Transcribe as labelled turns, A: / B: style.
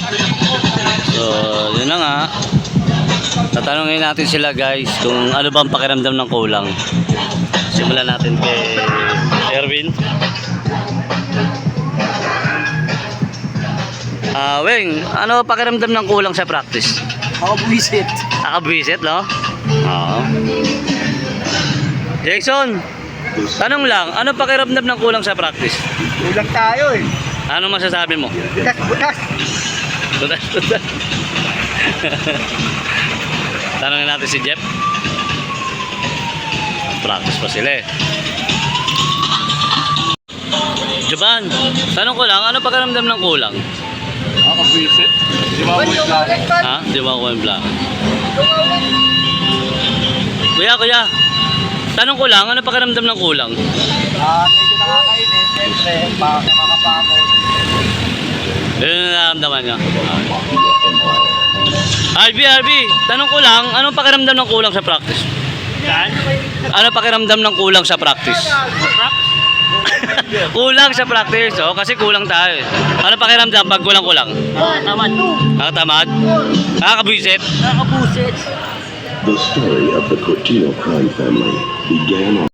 A: So, yun na nga. Tatanungin natin sila guys kung ano bang pakiramdam ng kulang. Simulan natin kay Erwin. Weng, ano pakiramdam ng kulang sa practice?
B: Nakabwisit.
A: Nakabwisit, no? Oo. Jackson, tanong lang, ano pakiramdam ng kulang sa practice?
B: Kulang tayo eh.
A: Ano masasabi mo?
B: Butas.
A: Tutas. Tanongin natin si Jeff. Practice pa sila eh. Jovan, tanong ko lang, ano pakiramdam ng kulang?
B: Nakabwisit. Di ba mo yung
A: Ha? Di ba ako yung black? Kuya, tanong ko lang, ano pakiramdam ng kulang?
B: medyo nakakainin. Siyempre, makakapagod.
A: Yun yung nararamdaman niya. RB, tanong ko lang, anong pakiramdam ng kulang sa practice?
B: Yan?
A: Ano pakiramdam ng kulang sa practice? Kulang sa practice, oh, kasi kulang tayo. Ano pakiramdam pag kulang-kulang?
B: Tamad.
A: Nakatamad? Nakakabwisit?
B: Nakabusit.
C: The story of the Cortino crime family began on